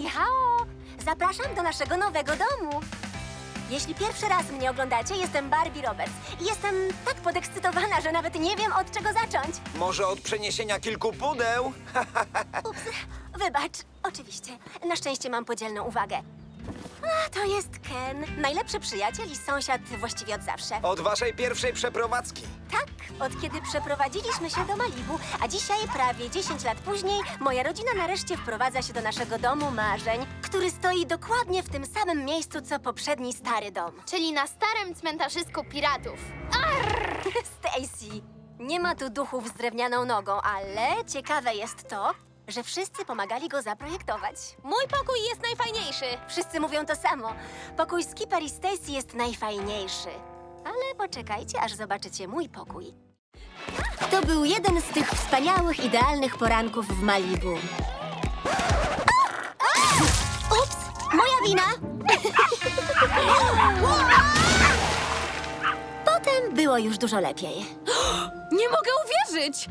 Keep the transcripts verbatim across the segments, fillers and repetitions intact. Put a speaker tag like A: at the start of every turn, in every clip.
A: Ni-hao! Zapraszam do naszego nowego domu. Jeśli pierwszy raz mnie oglądacie, jestem Barbie Roberts. I jestem tak podekscytowana, że nawet nie wiem, od czego zacząć.
B: Może od przeniesienia kilku pudeł?
A: Ups, wybacz. Oczywiście. Na szczęście mam podzielną uwagę. A, to jest Ken. Najlepszy przyjaciel i sąsiad właściwie od zawsze.
B: Od waszej pierwszej przeprowadzki.
A: Tak, od kiedy przeprowadziliśmy się do Malibu, a dzisiaj, prawie dziesięć lat później, moja rodzina nareszcie wprowadza się do naszego domu marzeń, który stoi dokładnie w tym samym miejscu, co poprzedni stary dom.
C: Czyli na starym cmentarzysku piratów.
A: Stacy, nie ma tu duchów z drewnianą nogą, ale ciekawe jest to, że wszyscy pomagali go zaprojektować.
C: Mój pokój jest najfajniejszy.
A: Wszyscy mówią to samo. Pokój Skipper i Stacy jest najfajniejszy. Ale poczekajcie, aż zobaczycie mój pokój. To był jeden z tych wspaniałych, idealnych poranków w Malibu. Ups! Moja wina! Potem było już dużo lepiej.
D: Nie mogę uwierzyć!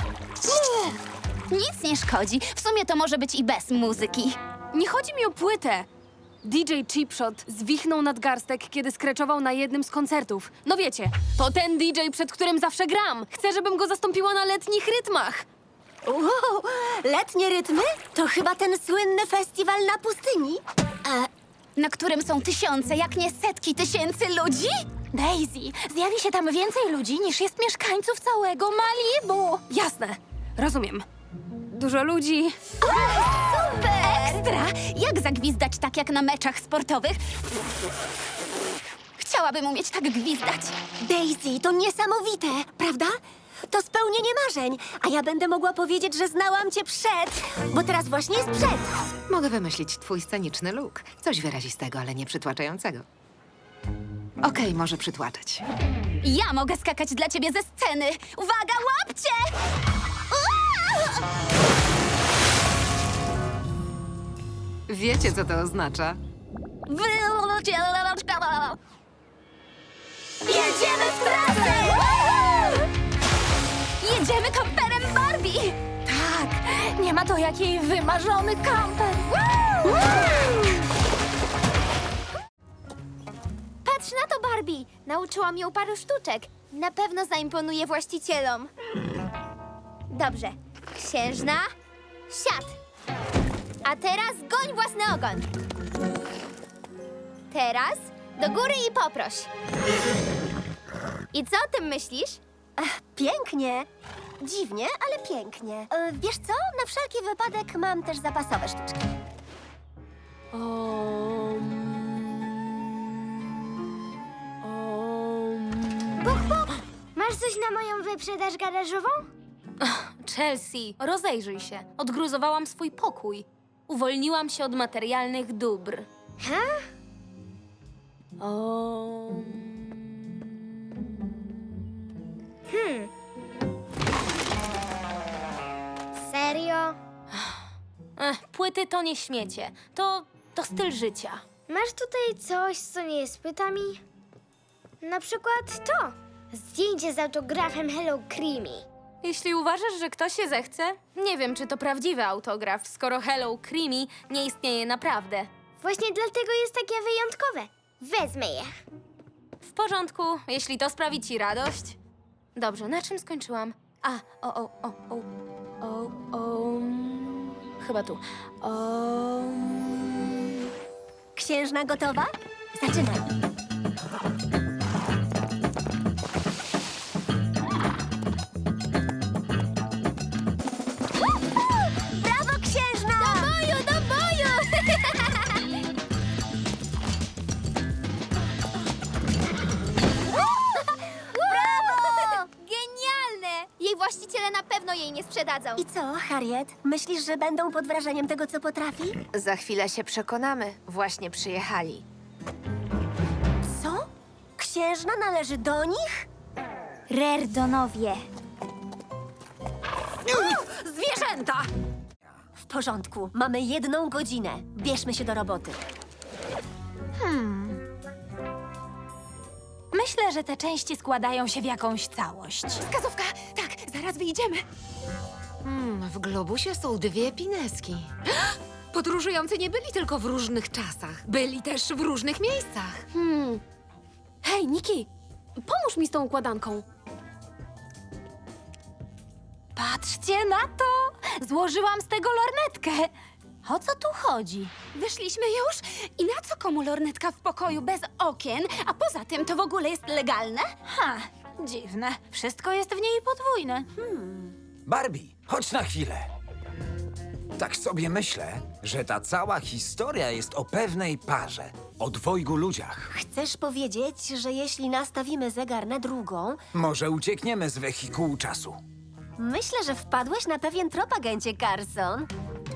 C: Nic nie szkodzi. W sumie to może być i bez muzyki.
D: Nie chodzi mi o płytę. D J Chipshot zwichnął nadgarstek, kiedy skreczował na jednym z koncertów. No wiecie, to ten D J, przed którym zawsze gram. Chcę, żebym go zastąpiła na letnich rytmach.
A: Wow, letnie rytmy? To chyba ten słynny festiwal na pustyni?
C: Na którym są tysiące, jak nie setki tysięcy ludzi? Daisy, zjawi się tam więcej ludzi niż jest mieszkańców całego Malibu.
D: Jasne, rozumiem. Dużo ludzi.
C: Super! Ekstra! Jak zagwizdać tak jak na meczach sportowych? Chciałabym umieć tak gwizdać.
A: Daisy, to niesamowite, prawda? To spełnienie marzeń, a ja będę mogła powiedzieć, że znałam cię przed, bo teraz właśnie jest przed.
E: Mogę wymyślić twój sceniczny look. Coś wyrazistego, ale nie przytłaczającego. Okej, może przytłaczać.
C: Ja mogę skakać dla ciebie ze sceny. Uwaga, łapcie! Uaa!
E: Wiecie, co to oznacza?
C: Jedziemy w trasę! Jedziemy kamperem Barbie! Tak, nie ma to jak jej wymarzony kamper. Patrz na to, Barbie! Nauczyłam ją paru sztuczek. Na pewno zaimponuje właścicielom. Dobrze. Księżna, siad. A teraz goń własny ogon. Teraz do góry i poproś. I co o tym myślisz?
A: Pięknie. Dziwnie, ale pięknie. E, wiesz co? Na wszelki wypadek mam też zapasowe sztuczki.
C: Masz coś na moją wyprzedaż garażową?
D: Chelsea, rozejrzyj się. Odgruzowałam swój pokój. Uwolniłam się od materialnych dóbr.
C: Ha?
D: O...
C: Serio?
D: Ech, płyty to nie śmiecie. To, to styl życia.
F: Masz tutaj coś, co nie jest płytami? Na przykład to. Zdjęcie z autografem Hello Creamy.
D: Jeśli uważasz, że ktoś się zechce, nie wiem, czy to prawdziwy autograf, skoro Hello Creamy nie istnieje naprawdę.
F: Właśnie dlatego jest takie wyjątkowe. Wezmę je.
D: W porządku, jeśli to sprawi ci radość. Dobrze, na czym skończyłam? A, o, o, o, o, o, o, mm, chyba tu. O,
A: Księżna gotowa? Zaczynaj. Brawo, księżna!
C: Do boju, do boju!
A: Brawo!
C: Genialne! Jej właściciele na pewno jej nie sprzedadzą.
A: I co, Harriet? Myślisz, że będą pod wrażeniem tego, co potrafi?
E: Za chwilę się przekonamy. Właśnie przyjechali.
A: Co? Księżna należy do nich?
C: Rerdonowie.
D: zwierzęta!
A: W porządku, mamy jedną godzinę. Bierzmy się do roboty.
D: Myślę, że te części składają się w jakąś całość.
C: Wskazówka! Tak, zaraz wyjdziemy.
E: Hmm, w globusie są dwie pineski. Podróżujący nie byli tylko w różnych czasach. Byli też w różnych miejscach.
D: Hmm. Hej, Niki, pomóż mi z tą układanką.
A: Patrzcie na to! Złożyłam z tego lornetkę. O co tu chodzi?
G: Wyszliśmy już? I na co komu lornetka w pokoju bez okien? A poza tym to w ogóle jest legalne?
A: Ha, dziwne. Wszystko jest w niej podwójne.
B: Barbie, chodź na chwilę. Tak sobie myślę, że ta cała historia jest o pewnej parze, o dwojgu ludziach.
A: Chcesz powiedzieć, że jeśli nastawimy zegar na drugą,
B: Może uciekniemy z wehikułu czasu.
A: myślę, że wpadłeś na pewien trop, agencie Carson.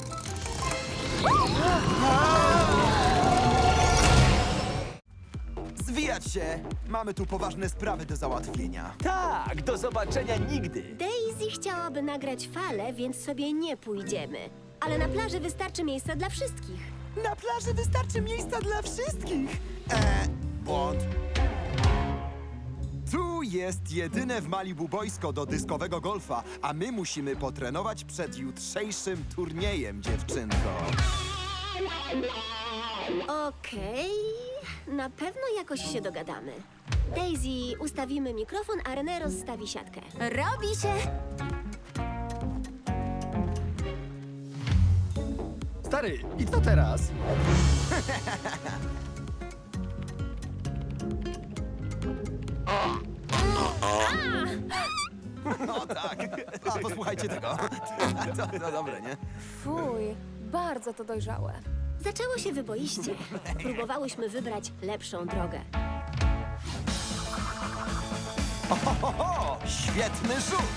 H: Zwijać się! Mamy tu poważne sprawy do załatwienia.
I: Tak, do zobaczenia nigdy.
A: Daisy chciałaby nagrać falę, więc sobie nie pójdziemy. Ale na plaży wystarczy miejsca dla wszystkich.
H: Na plaży wystarczy miejsca dla wszystkich! Eee, błąd. Tu jest jedyne w Malibu boisko do dyskowego golfa, a my musimy potrenować przed jutrzejszym turniejem, dziewczynko.
A: Okej, na pewno jakoś się dogadamy. Daisy, ustawimy mikrofon, a René rozstawi siatkę.
G: Robi się!
I: Stary, i co teraz?
H: No tak. A posłuchajcie tego. To, to dobre, nie?
D: Fuj, bardzo to dojrzałe.
A: Zaczęło się wyboiście. Próbowałyśmy wybrać lepszą drogę.
H: Oho, świetny rzut!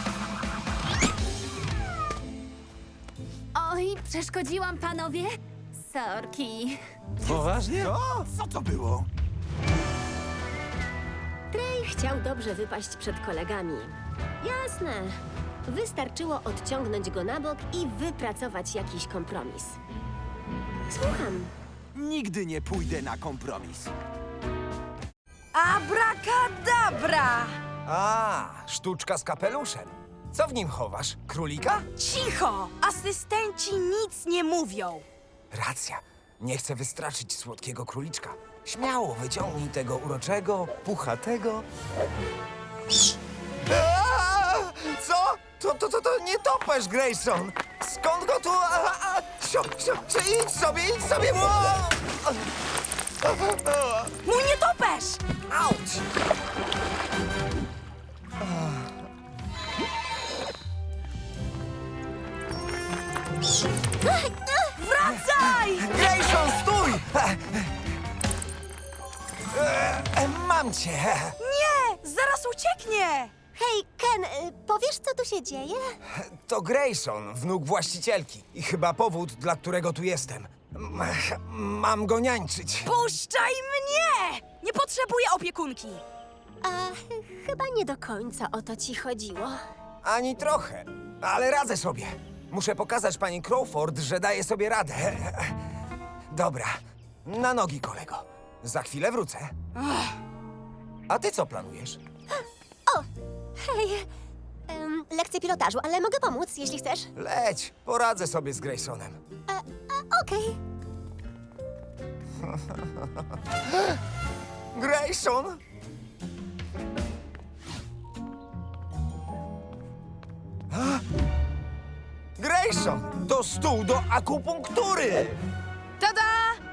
G: Oj, przeszkodziłam panowie? Sorki.
I: Poważnie?
H: O, co to było?
A: Trey chciał dobrze wypaść przed kolegami. Jasne. Wystarczyło odciągnąć go na bok i wypracować jakiś kompromis. Słucham.
H: Nigdy nie pójdę na kompromis.
J: Abracadabra!
B: A, sztuczka z kapeluszem. Co w nim chowasz? Królika?
J: Cicho! Asystenci nic nie mówią.
B: Racja. Nie chcę wystraszyć słodkiego króliczka. Śmiało wyciągnij tego uroczego, puchatego... Aaa! Co? To, to, to, to nie topesz, Grayson! Skąd go tu... A, a, sio, sio, sio, idź sobie, idź sobie! Ło!
J: Mój nietoperz!
B: Auć!
J: Wracaj!
B: Grayson, stój! E, e, Mam cię!
J: Nie! Zaraz ucieknie!
A: Hej, Ken, y, powiesz, co tu się dzieje?
B: To Grayson, wnuk właścicielki. I chyba powód, dla którego tu jestem. M- Mam go niańczyć.
J: Puszczaj mnie! Nie potrzebuję opiekunki.
A: A ch- chyba nie do końca o to ci chodziło.
B: Ani trochę, ale radzę sobie. Muszę pokazać pani Crawford, że daję sobie radę. Dobra, na nogi, kolego. Za chwilę wrócę. A ty co planujesz?
A: Hej, em, lekcje pilotażu, ale mogę pomóc, jeśli chcesz.
B: Leć, poradzę sobie z Graysonem.
A: A, Okej.
B: Grayson! A? Grayson, to stół do akupunktury!
J: Tada!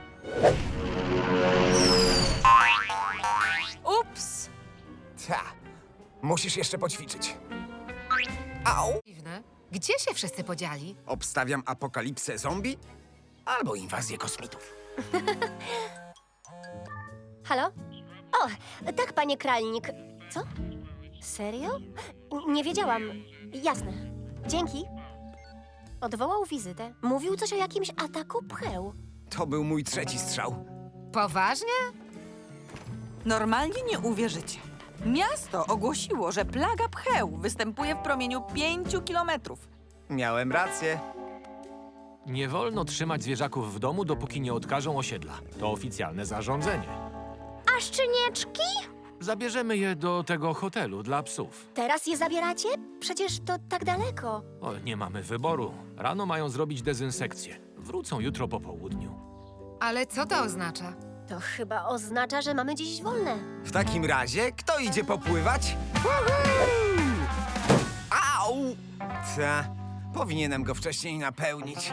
J: Ups!
B: Ta, musisz jeszcze poćwiczyć. Au!
E: Dziwne. Gdzie się wszyscy podzieli?
B: Obstawiam apokalipsę zombie albo inwazję kosmitów.
A: Halo? O, tak, panie Kralnik. Co? Serio? N- Nie wiedziałam. Jasne. Dzięki. Odwołał wizytę. Mówił coś o jakimś ataku pcheł.
B: To był mój trzeci strzał.
E: Poważnie?
J: Normalnie nie uwierzycie. Miasto ogłosiło, że plaga pcheł występuje w promieniu pięciu kilometrów.
B: Miałem rację.
K: Nie wolno trzymać zwierzaków w domu, dopóki nie odkażą osiedla. To oficjalne zarządzenie.
F: A szczenieczki?
K: Zabierzemy je do tego hotelu dla psów.
A: Teraz je zabieracie? Przecież to tak daleko.
K: O, nie mamy wyboru. Rano mają zrobić dezynsekcję. Wrócą jutro po południu.
E: Ale co to oznacza?
A: To chyba oznacza, że mamy dziś wolne.
B: W takim razie, kto idzie popływać? Woohoo! Au! Ta, powinienem go wcześniej napełnić.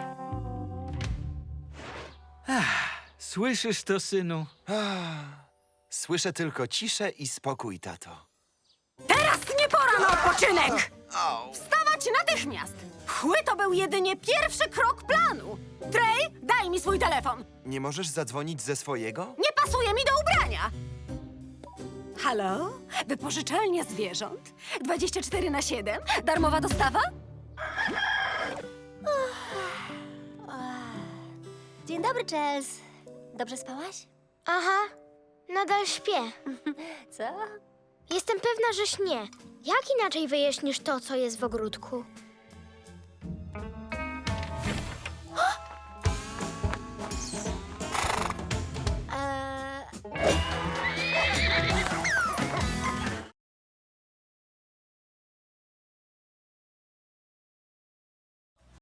I: Słyszysz to, synu?
H: Słyszę tylko ciszę i spokój, tato.
G: Teraz nie pora na odpoczynek! Wstawać natychmiast! Chły to był jedynie pierwszy krok planu. Trey, daj mi swój telefon.
H: Nie możesz zadzwonić ze swojego?
G: Nie pasuje mi do ubrania. Halo? Wypożyczalnia zwierząt? dwadzieścia cztery na siedem? Darmowa dostawa?
A: Dzień dobry, Chels. Dobrze spałaś?
F: Aha, nadal śpię.
A: Co?
F: Jestem pewna, że śnię. Jak inaczej wyjaśnisz to, co jest w ogródku?